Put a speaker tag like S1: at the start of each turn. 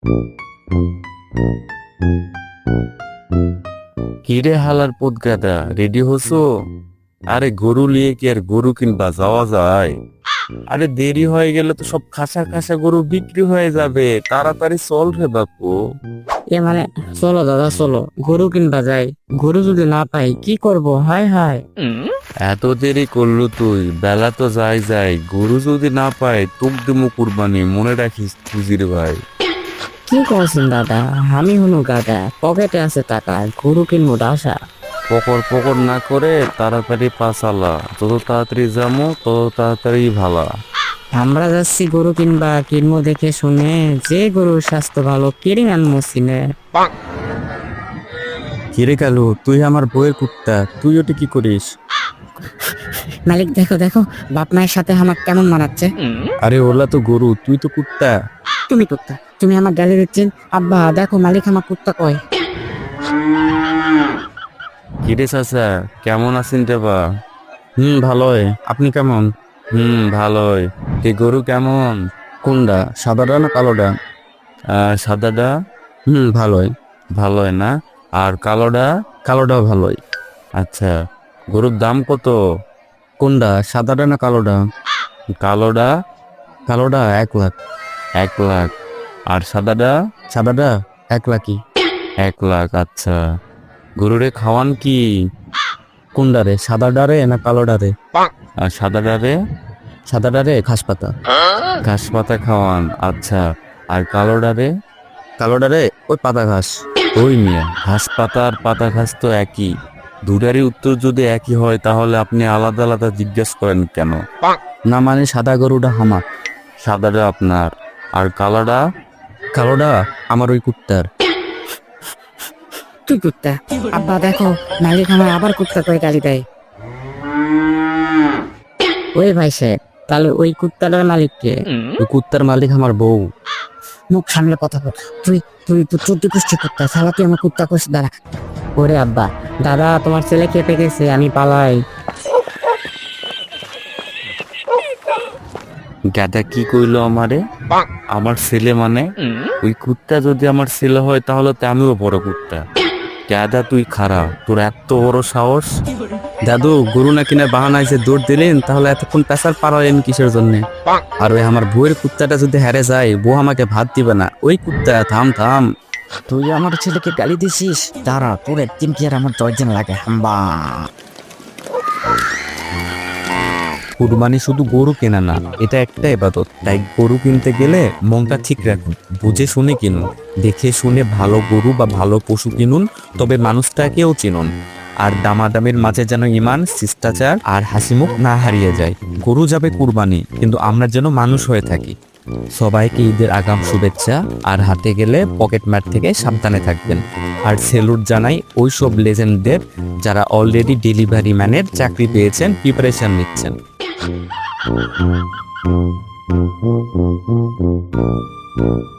S1: কিরে হালার পুত গাদা, রেডি হসো? আরে গরু নিয়ে কি আর গরু কিনবা যাওয়া যায়? আরে দেরি হয়ে গেলে তো সব খাসা খাসা গরু বিক্রি হয়ে যাবে, তাড়াতাড়ি চল রে বাপু।
S2: মানে চলো দাদা চলো, গরু কিনবা যাই। গরু যদি না পাই কি করব? হায় হায়।
S1: এত দেরি করলো তুই, বেলা তো যাই যাই, গরু যদি না পাই তুক দিমু কুরবানি, মনে রাখিস খুজির ভাই।
S2: কি করছেন দাদা? আমি হলো গাদা, পকেটে আছে টাকা, গরু কিনবো ডাসা।
S1: পকর পকর না করে তাড়াতাড়ি পাচালা, যত তাড়াতাড়ি যামো তত তাড়াতাড়ি ভালা।
S2: আমরা যাচ্ছি গরু কিনবা, কিনবো দেখে শুনে, যে গরুর স্বাস্থ্য ভালো কিনে আনবো সিনে।
S3: কিরে কালু, তুই আমার বউয়ের কুত্তা, তুই ওটা কি করিস?
S2: মালিক দেখো দেখো, বাপ মায়ের সাথে আমার কেমন মানাচ্ছে।
S3: আরে ওলা তো গরু, তুই তো কুত্তা।
S2: তুমি কুত্তা, তুমি আমার গালি দিচ্ছেন। আব্বা দেখো, মালিক আমার কুত্তা কয়।
S1: কিরে চাচা, কেমন আছেন রে বা?
S3: ভালোই। আপনি কেমন?
S1: ভালোই। এই গরু কেমন?
S3: কোনটা, সাদাটা না কালোটা?
S1: সাদাটা
S3: ভালোই।
S1: ভালোই না? আর কালোটা?
S3: কালোটাও ভালোই।
S1: আচ্ছা, গরুর দাম কত?
S3: কোনটা, সাদাটা না কালোটা?
S1: কালোটা
S3: কালোটা 1 লাখ।
S1: 1 লাখ। আর সাদাটা?
S3: সাদাটা 1 লাখই।
S1: 1 লাখ। আচ্ছা, গরুরে খাওয়ান কি?
S3: কোনটারে, সাদাটারে না কালোটারে?
S1: আর সাদাটারে?
S3: সাদাটারে ঘাস পাতা।
S1: ঘাস পাতা খাওয়ান। আচ্ছা, আর কালোটারে?
S3: কালোটারে ওই পাতা ঘাস।
S1: ওই মিয়া, ঘাস পাতা আর পাতা ঘাস তো একই। দুটারই উত্তর যদি একই হয় তাহলে আপনি আলাদা আলাদা জিজ্ঞেস করেন কেন?
S3: না মানে সাদা গরুটা আমার।
S1: সাদাটা আপনার, আর কালোটা?
S3: কালোটা আমার ওই কুত্তার।
S2: তুই কুত্তা। আব্বা দেখো, মালিক আমার আবার কুত্তা কয় গালি দেয়। ওই ভাই সাহেব, তাহলে ওই কুত্তাটার মালিককে?
S3: ওই কুত্তার মালিক আমার বউ।
S2: মুখ সামলে কথা বল। তুই তুই তো 14 গোষ্ঠী কুত্তা, শালা তুই আমার কুত্তা কোষ দাঁড়া। ওরে আব্বা, দাদা তোমার ছেলে খেপে গেছে, আমি পালাই।
S1: গাদা কি কইলো আমারে? আমার ছেলে মানে? ওই কুত্তা যদি আমার ছেলে হয় তাহলে তো আমিও বড় কুত্তা। গাদা তুই খারাপ, তোর এত বড় সাহস!
S3: দাদু, গরু না কিনে বাহানায় যে দৌড় দিলেন, তাহলে এতক্ষণ পেশার পাড়ালেন কিসের জন্য? আর ওই আমার বউয়ের কুত্তাটা যদি হেরে যায়, বউ আমাকে ভাত দিবে না। ওই কুত্তা, থাম থাম।
S2: তুই আমার ছেলেকে গালি দিছিস? দাঁড়া, তোর একদিন কি আর আমার 10 দিন লাগে। হাম্বা।
S3: কুরবানি শুধু গরু কেনা না, এটা একটা ইবাদত। তাই গরু কিনতে গেলে মনটা ঠিক রাখুন, বুঝে শুনে কিনুন। দেখে শুনে ভালো গরু বা ভালো পশু কিনুন, তবে মানুষটাকেও চিনুন। আর দামাদামির মাঝে যেন ইমান, শিষ্টাচার আর হাসিমুখ না হারিয়ে যায়। গরু যাবে কুরবানি, কিন্তু আমরা যেন মানুষ হয়ে থাকি। সবাইকে ঈদের আগাম শুভেচ্ছা। আর হাতে গেলে পকেট ম্যাট থেকে সাবধানে থাকবেন। আর সেলুট জানাই ওই সব লেজেন্ডদের যারা অলরেডি ডেলিভারি ম্যানের চাকরি পেয়েছেন, প্রিপারেশন নিচ্ছেন।